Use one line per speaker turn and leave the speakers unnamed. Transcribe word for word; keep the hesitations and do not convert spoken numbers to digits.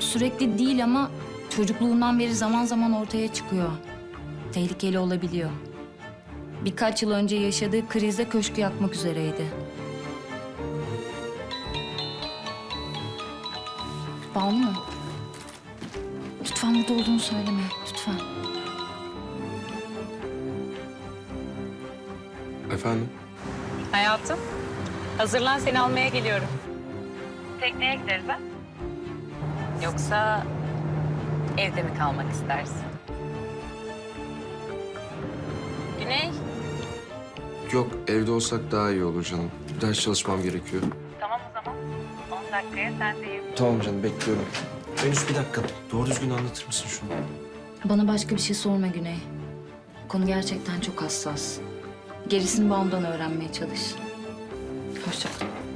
sürekli değil ama çocukluğundan beri zaman zaman ortaya çıkıyor. Tehlikeli olabiliyor. Birkaç yıl önce yaşadığı krizde köşkü yakmak üzereydi. Banu mu? Lütfen burada olduğunu söyleme, lütfen.
Efendim?
Hayatım, hazırlan seni almaya geliyorum. Tekneye gideriz ha? Yoksa evde mi kalmak istersin? Güney?
Yok, evde olsak daha iyi olur canım. Ders çalışmam gerekiyor.
Tamam o zaman. on dakikaya sendeyim.
Tamam canım, bekliyorum. Venüs bir dakika. Doğru düzgün anlatır mısın şunu?
Bana başka bir şey sorma Güney. Konu gerçekten çok hassas. Gerisini Banu'dan öğrenmeye çalış. Hoşça kal.